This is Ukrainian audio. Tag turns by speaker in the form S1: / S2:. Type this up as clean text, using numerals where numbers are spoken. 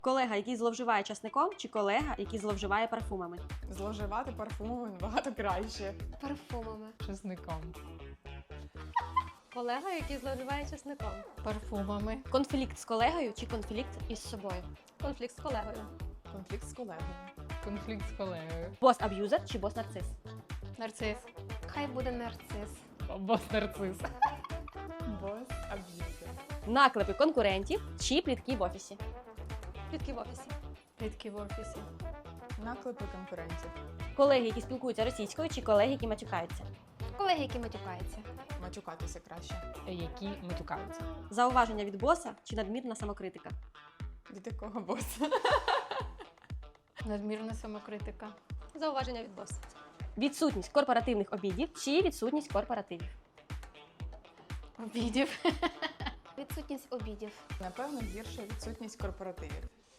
S1: Колега, який зловживає часником, чи колега, який зловживає парфумами?
S2: Зловживати парфумами набагато краще.
S3: Парфумами.
S4: Чесником.
S3: Колега, який зловживає часником.
S4: Парфумами.
S1: Конфлікт з колегою чи конфлікт
S3: Із собою. Конфлікт з колегою.
S2: Конфлікт з колегою.
S4: Конфлікт з колегою.
S1: бос-аб'юзер чи бос-нарцис?
S4: Нарцис.
S3: Хай буде нарцис.
S4: Бос нарцис.
S2: Бос аб'юзер.
S1: Наклепи конкурентів чи плітки в офісі?
S3: Плітки в офісі.
S4: Плітки в офісі.
S2: Наклепи конкурентів.
S1: Колеги, які спілкуються російською, чи колеги, які матюкаються?
S3: Колеги, які матюкаються.
S2: Матюкатися краще.
S4: Які матюкаються.
S1: Зауваження від боса чи надмірна самокритика?
S2: Від якого боса?
S4: Надмірна самокритика.
S3: Зауваження від боса.
S1: Відсутність корпоративних обідів чи відсутність корпоративів?
S4: Обідів.
S3: Відсутність обідів.
S2: Напевно, гірше відсутність корпоративів.